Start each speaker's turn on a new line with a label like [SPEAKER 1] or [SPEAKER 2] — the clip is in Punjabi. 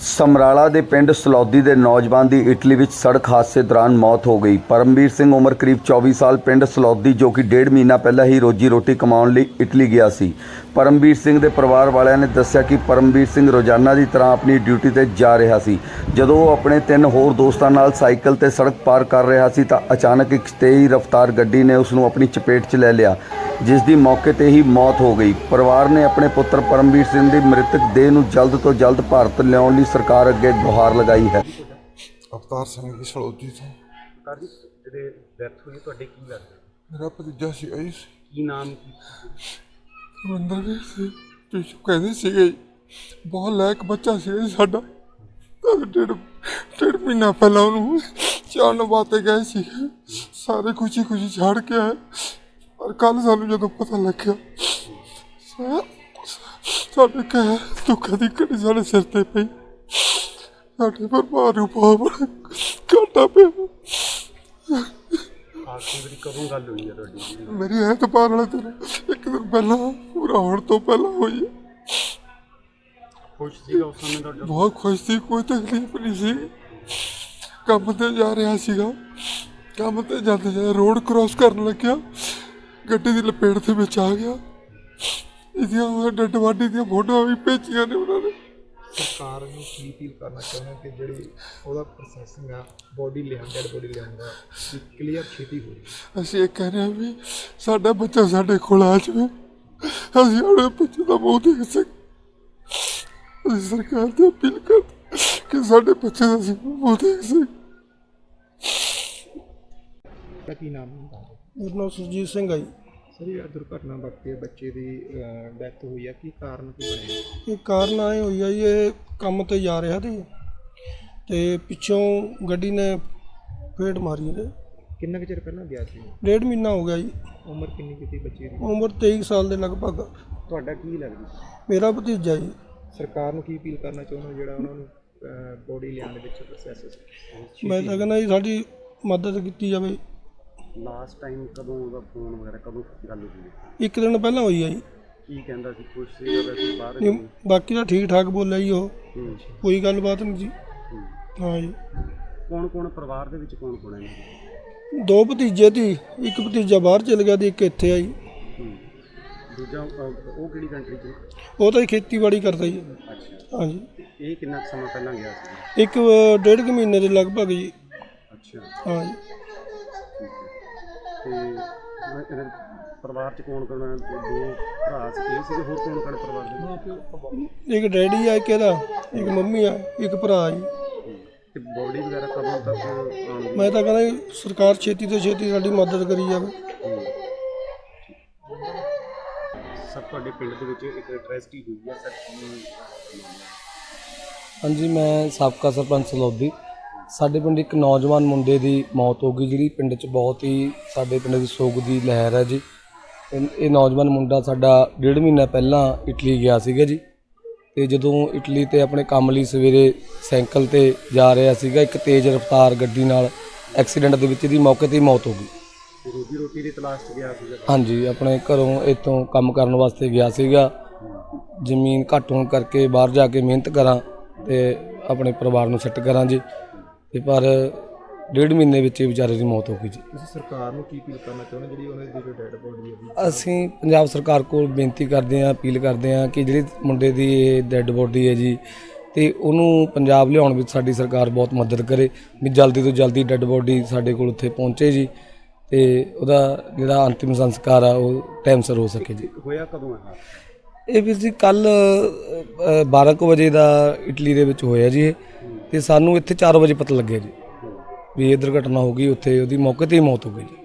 [SPEAKER 1] ਸਮਰਾਲਾ ਦੇ ਪਿੰਡ ਸਲੌਦੀ ਦੇ ਨੌਜਵਾਨ ਦੀ ਇਟਲੀ ਵਿੱਚ ਸੜਕ ਹਾਦਸੇ ਦੌਰਾਨ ਮੌਤ ਹੋ ਗਈ। ਪਰਮਵੀਰ ਸਿੰਘ ਉਮਰ ਕਰੀਬ 24 ਸਾਲ ਪਿੰਡ ਸਲੌਦੀ ਜੋ ਕਿ ਡੇਢ ਮਹੀਨਾ ਪਹਿਲਾਂ ਹੀ ਰੋਜੀ ਰੋਟੀ ਕਮਾਉਣ ਲਈ ਇਟਲੀ ਗਿਆ ਸੀ। ਪਰਮਵੀਰ ਸਿੰਘ ਦੇ ਪਰਿਵਾਰ ਵਾਲਿਆਂ ਨੇ ਦੱਸਿਆ ਕਿ ਪਰਮਵੀਰ ਸਿੰਘ ਰੋਜ਼ਾਨਾ ਦੀ ਤਰ੍ਹਾਂ ਆਪਣੀ ਡਿਊਟੀ ਤੇ ਜਾ ਰਿਹਾ ਸੀ। ਜਦੋਂ ਉਹ ਆਪਣੇ 3 ਹੋਰ ਦੋਸਤਾਂ ਨਾਲ ਸਾਈਕਲ ਤੇ ਸੜਕ ਪਾਰ ਕਰ ਰਿਹਾ ਸੀ ਤਾਂ ਅਚਾਨਕ ਇੱਕ ਤੇਜ਼ ਰਫ਼ਤਾਰ ਗੱਡੀ ਨੇ ਉਸ ਨੂੰ ਆਪਣੀ ਚਪੇਟ 'ਚ ਲੈ ਲਿਆ, ਜਿਸ ਦੀ ਮੌਕੇ ਤੇ ਹੀ ਮੌਤ ਹੋ ਗਈ। ਪਰਿਵਾਰ ਨੇ ਆਪਣੇ ਪੁੱਤਰ ਪਰਮਵੀਰ ਸਿੰਘ ਦੀ ਮ੍ਰਿਤਕ ਦੇਹ ਨੂੰ ਜਲਦ ਤੋਂ ਜਲਦ ਭਾਰਤ ਲਿਆਉਣ ਲਈ ਸਰਕਾਰ ਅੱਗੇ ਗੁਹਾਰ ਲਗਾਈ ਹੈ।
[SPEAKER 2] ਅਵਤਾਰ ਸਿੰਘ ਦੀ ਸਲੌਦੀ ਤੋਂ
[SPEAKER 3] ਜਿਹੜੇ ਡੈਥ ਹੋਈ ਤੁਹਾਡੇ ਕੀ ਲੱਗਦਾ?
[SPEAKER 2] ਮੇਰਾ ਭਤੀਜਾ ਸੀ ਜੀ।
[SPEAKER 3] ਕੀ ਨਾਮ
[SPEAKER 2] ਰਵਿੰਦਰ ਵੀ ਸੀ, ਤੁਸੀਂ ਕਹਿੰਦੇ ਸੀਗੇ ਜੀ, ਬਹੁਤ ਲਾਇਕ ਬੱਚਾ ਸੀ ਸਾਡਾ। ਡੇਢ ਮਹੀਨਾ ਪਹਿਲਾਂ ਉਹਨੂੰ ਚਾਣ ਵਾਸਤੇ ਗਏ ਸੀ, ਸਾਰੇ ਖੁਸ਼ੀ ਖੁਸ਼ੀ ਛੱਡ ਕੇ ਆਏ। ਪਰ ਕੱਲ੍ਹ ਸਾਨੂੰ ਜਦੋਂ ਪਤਾ ਲੱਗਿਆ ਸਾਡੇ ਕਹਿ ਦੁੱਖਾਂ ਦੀ ਘੜੀ ਸਾਡੇ ਸਿਰ ਤੇ ਪਈ। ਸਾਡੇ ਪਰਿਵਾਰ ਨੂੰ ਬਹੁਤ ਘਾਟਾ ਪਿਆ।
[SPEAKER 3] ਆਖਰੀ ਵਾਰੀ ਕਦੋਂ ਗੱਲ ਹੋਈ ਹੈ ਤੁਹਾਡੀ?
[SPEAKER 2] ਮੇਰੀ ਐਤਵਾਰ ਵਾਲੇ ਦਿਨ, ਇੱਕ ਦਿਨ ਪਹਿਲਾਂ, ਪੂਰਾ ਹੋਣ ਤੋਂ ਪਹਿਲਾਂ ਹੋਈ ਹੈ।
[SPEAKER 3] ਖੁਸ਼ ਸੀਗਾ ਉਸ ਸਮੇਂ ਤੁਹਾਡਾ?
[SPEAKER 2] ਬਹੁਤ ਖੁਸ਼ ਸੀ, ਕੋਈ ਤਕਲੀਫ ਨਹੀਂ ਸੀ। ਕੰਮ ਤੇ ਜਾ ਰਿਹਾ ਸੀਗਾ, ਕੰਮ ਤੇ ਜਾਂਦੇ ਰੋਡ ਕ੍ਰੋਸ ਕਰਨ ਲੱਗਿਆ, ਗੱਡੀ ਦੀ ਲਪੇਟ ਦੇ ਵਿੱਚ ਆ ਗਿਆ। ਇਹਦੀਆਂ ਡੈਡ ਬਾਡੀ ਦੀਆਂ ਫੋਟੋਆਂ ਵੀ ਭੇਜੀਆਂ ਨੇ ਉਹਨਾਂ ਨੇ।
[SPEAKER 4] ਸਰਕਾਰ ਨੂੰ ਕੀ ਅਪੀਲ ਕਰਨਾ ਚਾਹੁੰਦੇ ਕਿ ਜਿਹੜੀ ਉਹਦਾ ਪ੍ਰੋਸੈਸਿੰਗ ਆ ਬੋਡੀ ਲਿਆਉਣ, ਡੈਡ ਬੋਡੀ ਲਿਆਉਣ ਦਾ ਕਲੀਅਰ ਛੇਤੀ ਹੋਵੇ।
[SPEAKER 2] ਅਸੀਂ ਇਹ ਕਹਿ ਰਹੇ ਹਾਂ ਵੀ ਸਾਡਾ ਬੱਚਾ ਸਾਡੇ ਕੋਲ ਆ ਜਾਵੇ, ਅਸੀਂ ਆਪਣੇ ਬੱਚੇ ਦਾ ਮੂੰਹ ਦੇਖ ਸਕੀਏ। ਅਸੀਂ ਸਰਕਾਰ ਤੋਂ ਅਪੀਲ ਕਰਦੇ ਕਿ ਸਾਡੇ ਬੱਚੇ ਦਾ ਅਸੀਂ ਮੂੰਹ ਦੇਖ ਸਕੀਏ।
[SPEAKER 4] ਕੀ ਨਾਮ ਹੈ?
[SPEAKER 5] ਮੇਰਾ ਨਾਮ ਸੁਰਜੀਤ ਸਿੰਘ ਹੈ ਜੀ।
[SPEAKER 4] ਸਰ, ਇਹ ਦੁਰਘਟਨਾ ਵਾਪਰੀ ਹੈ, ਬੱਚੇ ਦੀ ਡੈਥ ਹੋਈ ਹੈ, ਕੀ ਕਾਰਨ ਕੀ ਬਣਿਆ?
[SPEAKER 5] ਇਹ ਕਾਰਨ ਆਏ ਹੋਈ ਆ ਜੀ, ਇਹ ਕੰਮ ਤੇ ਜਾ ਰਿਹਾ ਸੀ ਤੇ ਪਿੱਛੋਂ ਗੱਡੀ ਨੇ ਫੇਟ ਮਾਰੀ ਇਹਦੇ।
[SPEAKER 4] ਕਿੰਨਾ ਕੁ ਚਿਰ ਪਹਿਲਾਂ ਗਿਆ ਸੀ?
[SPEAKER 5] ਡੇਢ ਮਹੀਨਾ ਹੋ ਗਿਆ ਜੀ।
[SPEAKER 4] ਉਮਰ ਕਿੰਨੀ ਕੀਤੀ ਬੱਚੇ ਦੀ?
[SPEAKER 5] ਉਮਰ 23 ਸਾਲ ਦੇ ਲਗਭਗ।
[SPEAKER 4] ਤੁਹਾਡਾ ਕੀ ਲੱਗਦਾ?
[SPEAKER 5] ਮੇਰਾ ਭਤੀਜਾ ਜੀ।
[SPEAKER 4] ਸਰਕਾਰ ਨੂੰ ਕੀ ਅਪੀਲ ਕਰਨਾ ਚਾਹੁੰਦੇ ਜਿਹੜਾ ਉਹਨਾਂ ਨੂੰ ਬੋਡੀ ਲਿਆਉਣ ਦੇ ਵਿੱਚ ਪ੍ਰੋਸੈਸ?
[SPEAKER 5] ਮੈਂ ਤਾਂ ਕਹਿੰਦਾ ਜੀ ਸਾਡੀ ਮਦਦ ਕੀਤੀ ਜਾਵੇ।
[SPEAKER 3] ਲਾਸਟ ਟਾਈਮ ਕਦੋਂ ਉਹਦਾ ਫੋਨ ਵਗੈਰਾ ਕਦੋਂ ਗੱਲ ਹੋਈ?
[SPEAKER 5] ਇੱਕ ਦਿਨ ਪਹਿਲਾਂ ਹੋਈ ਆ ਜੀ।
[SPEAKER 3] ਕੀ ਕਹਿੰਦਾ ਸੀ? ਖੁਸ਼ ਸੀ ਵੈਸੇ ਬਾਹਰ?
[SPEAKER 5] ਨਹੀਂ, ਬਾਕੀ ਤਾਂ ਠੀਕ ਠਾਕ ਬੋਲਿਆ ਜੀ ਉਹ, ਕੋਈ ਗੱਲਬਾਤ ਨਹੀਂ ਜੀ। ਹਾਂ ਜੀ।
[SPEAKER 3] ਕੌਣ ਕੌਣ ਪਰਿਵਾਰ ਦੇ ਵਿੱਚ ਕੌਣ ਕੌਣ ਹੈ?
[SPEAKER 5] 2 ਭਤੀਜੇ ਸੀ, ਇੱਕ ਭਤੀਜਾ ਬਾਹਰ ਚਲ ਗਿਆ ਤੇ ਇੱਕ ਇੱਥੇ ਆ ਜੀ।
[SPEAKER 3] ਦੂਜਾ ਉਹ ਕਿਹੜੀ ਕੰਟਰੀ 'ਚ?
[SPEAKER 5] ਉਹ ਤਾਂ ਖੇਤੀਬਾੜੀ ਕਰਦਾ ਜੀ।
[SPEAKER 3] ਅੱਛਾ।
[SPEAKER 5] ਹਾਂ ਜੀ।
[SPEAKER 3] ਇਹ ਕਿੰਨਾ ਸਮਾਂ ਪਹਿਲਾਂ ਗਿਆ ਸੀ?
[SPEAKER 5] ਇੱਕ 1.5 ਮਹੀਨੇ ਦੇ ਲਗਭਗ ਜੀ।
[SPEAKER 3] ਅੱਛਾ।
[SPEAKER 5] ਹਾਂ ਜੀ।
[SPEAKER 3] ਤੇ ਪਰਿਵਾਰ 'ਚ ਕੌਣ ਕੌਣ ਹੈ? 2 ਭਰਾ ਸੀ, ਹੋਰ ਕੌਣ ਕੌਣ ਪਰਿਵਾਰ ਦੇ?
[SPEAKER 5] ਇੱਕ ਡੈਡੀ ਆ, ਇੱਕ ਇਹਦਾ, ਇੱਕ ਮੰਮੀ ਆ, ਇੱਕ ਭਰਾ ਜੀ।
[SPEAKER 3] ਤੇ ਬੋਡੀ ਵਗੈਰਾ ਕਦੋਂ ਤੱਕ ਆਉਣਗੀ?
[SPEAKER 5] ਮੈਂ ਤਾਂ ਕਹਿੰਦਾ ਜੀ ਸਰਕਾਰ ਛੇਤੀ ਤੋਂ ਛੇਤੀ ਸਾਡੀ ਮਦਦ ਕਰੀ ਜਾਵੇ।
[SPEAKER 3] ਸਰ, ਤੁਹਾਡੇ ਪਿੰਡ ਦੇ ਵਿੱਚ ਇੱਕ ਟ੍ਰੈਜਡੀ ਹੋਈ ਹੈ ਸਰ।
[SPEAKER 6] ਹਾਂਜੀ, ਮੈਂ ਸਾਬਕਾ ਸਰਪੰਚ ਸਲੌਦੀ। ਸਾਡੇ ਪਿੰਡ ਇੱਕ ਨੌਜਵਾਨ ਮੁੰਡੇ ਦੀ ਮੌਤ ਹੋ ਗਈ, ਜਿਹੜੀ ਪਿੰਡ 'ਚ ਬਹੁਤ ਹੀ ਸਾਡੇ ਪਿੰਡ ਦੀ ਸੋਗ ਦੀ ਲਹਿਰ ਹੈ ਜੀ। ਇਹ ਨੌਜਵਾਨ ਮੁੰਡਾ ਸਾਡਾ 1.5 ਮਹੀਨਾ ਪਹਿਲਾਂ ਇਟਲੀ ਗਿਆ ਸੀਗਾ ਜੀ। ਤੇ ਜਦੋਂ ਇਟਲੀ ਤੇ ਆਪਣੇ ਕੰਮ ਲਈ ਸਵੇਰੇ ਸਾਈਕਲ ਤੇ ਜਾ ਰਿਹਾ ਸੀਗਾ, ਇੱਕ ਤੇਜ਼ ਰਫ਼ਤਾਰ ਗੱਡੀ ਨਾਲ ਐਕਸੀਡੈਂਟ ਦੇ ਵਿੱਚ ਇਹਦੀ ਮੌਕੇ 'ਤੇ ਹੀ ਮੌਤ ਹੋ ਗਈ।
[SPEAKER 3] ਰੋਜੀ ਰੋਟੀ ਦੀ ਤਲਾਸ਼ 'ਚ ਗਿਆ ਸੀਗਾ?
[SPEAKER 6] ਹਾਂਜੀ, ਆਪਣੇ ਘਰੋਂ ਇੱਥੋਂ ਕੰਮ ਕਰਨ ਵਾਸਤੇ ਗਿਆ ਸੀਗਾ। ਜ਼ਮੀਨ ਘੱਟ ਹੋਣ ਕਰਕੇ ਬਾਹਰ ਜਾ ਕੇ ਮਿਹਨਤ ਕਰਾਂ ਤੇ ਆਪਣੇ ਪਰਿਵਾਰ ਨੂੰ ਸੈੱਟ ਕਰਾਂ ਜੀ। ਤੇ ਪਰ 1.5 ਮਹੀਨੇ ਵਿੱਚ ਇਹ ਵਿਚਾਰੇ ਦੀ ਮੌਤ ਹੋ ਗਈ ਜੀ।
[SPEAKER 4] ਤੁਸੀਂ ਸਰਕਾਰ ਨੂੰ ਕੀ ਅਪੀਲ ਕਰਨਾ ਚਾਹੁੰਦੇ ਜਿਹੜੀ ਉਹਨਾਂ ਦੀ ਜੋ ਡੈਡ ਬੋਡੀ ਹੈ?
[SPEAKER 6] ਅਸੀਂ ਪੰਜਾਬ ਸਰਕਾਰ ਕੋਲ ਬੇਨਤੀ ਕਰਦੇ ਹਾਂ, ਅਪੀਲ ਕਰਦੇ ਹਾਂ ਕਿ ਜਿਹੜੀ ਮੁੰਡੇ ਦੀ ਇਹ ਡੈਡ ਬੋਡੀ ਹੈ ਜੀ, ਤੇ ਉਹਨੂੰ ਪੰਜਾਬ ਲਿਆਉਣ ਵਿੱਚ ਸਾਡੀ ਸਰਕਾਰ ਬਹੁਤ ਮਦਦ ਕਰੇ ਵੀ ਜਲਦੀ ਤੋਂ ਜਲਦੀ ਡੈਡ ਬੋਡੀ ਸਾਡੇ ਕੋਲ ਉੱਥੇ ਪਹੁੰਚੇ ਜੀ, ਤੇ ਉਹਦਾ ਜਿਹੜਾ ਅੰਤਿਮ ਸੰਸਕਾਰ ਆ ਉਹ ਟਾਈਮ ਸਿਰ ਹੋ ਸਕੇ ਜੀ।
[SPEAKER 3] ਹੋਇਆ ਕਦੋਂ ਹੈ
[SPEAKER 6] ਇਹ ਵੀਰ ਜੀ? ਕੱਲ੍ਹ 12 ਕੁ ਵਜੇ ਦਾ ਇਟਲੀ ਦੇ ਵਿੱਚ ਹੋਇਆ ਜੀ ਇਹ, ਤੇ ਸਾਨੂੰ ਇੱਥੇ 4 ਵਜੇ ਪਤਾ ਲੱਗਿਆ ਜੀ ਵੀ ਇਹ ਦੁਰਘਟਨਾ ਹੋ ਗਈ। ਉੱਥੇ ਉਹਦੀ ਮੌਕੇ 'ਤੇ ਹੀ ਮੌਤ ਹੋ ਗਈ ਜੀ।